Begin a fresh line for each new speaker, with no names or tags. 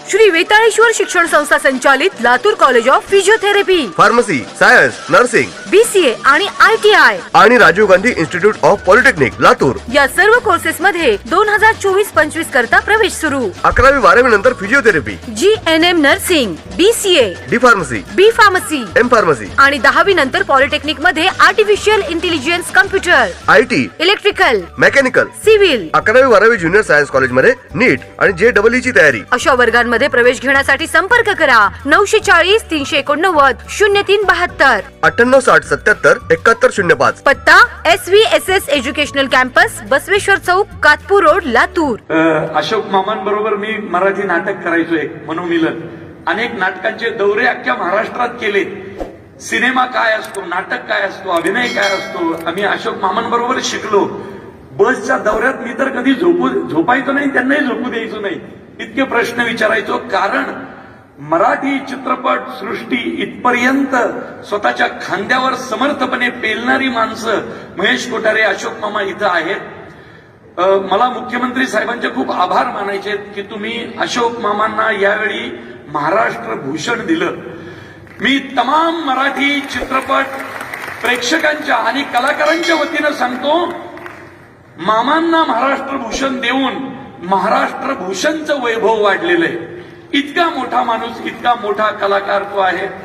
श्री वेताळेश्वर शिक्षण संस्था संचालित Latur college of physiotherapy,
pharmacy, science, nursing,
BCA आणि ITI
आणि Rajiv Gandhi institute of polytechnic Latur
या सर्व कोर्सेस मध्ये 2024-25 करता प्रवेश सुरू.
11वी 12वी नंतर physiotherapy,
GNM nursing, BCA,
D pharmacy,
B pharmacy
M pharmacy
आणि 10वी नंतर पॉलिटेक्निक मध्ये artificial intelligence, computer,
IT,
electrical,
mechanical.
Civil
11वी 12वी ज्युनियर सायन्स कॉलेज मध्ये नीट आणि JEE ची तयारी.
अशा वर्गांमध्ये प्रवेश घेण्यासाठी संपर्क करा 940 389 0372.
98 60 77 71 05.
पत्ता SVSS एज्युकेशनल कॅम्पस, बसवेश्वर चौक, कातपूर रोड, लातूर.
अशोक मामांबरोबर मी मराठी नाटक करायचो एक मनोमिलन. अनेक नाटकांचे दौरे अख्ख्या महाराष्ट्रात केले. सिनेमा काय असतो, नाटक काय असतो, अभिनय काय असतो, आम्ही अशोक मामांबरोबर शिकलो. बसच्या दौऱ्यात मी तर कधी झोपायचो नाही, त्यांनाही झोपू द्यायचो नाही. इतके प्रश्न विचारायचो, कारण मराठी चित्रपट सृष्टी इथपर्यंत स्वतःच्या खांद्यावर समर्थपणे पेलणारी माणसं महेश कोठारे, अशोक मामा इथं आहेत. मला मुख्यमंत्री साहेबांचे खूप आभार मानायचे की तुम्ही अशोक मामांना यावेळी महाराष्ट्र भूषण दिलं. मी तमाम मराठी चित्रपट प्रेक्षकांच्या आणि कलाकारांच्या वतीनं सांगतो, मामांना महाराष्ट्र भूषण देऊन महाराष्ट्र भूषणचं वैभव वाढलेलं आहे. इतका मोठा माणूस, इतका मोठा कलाकार तो आहे.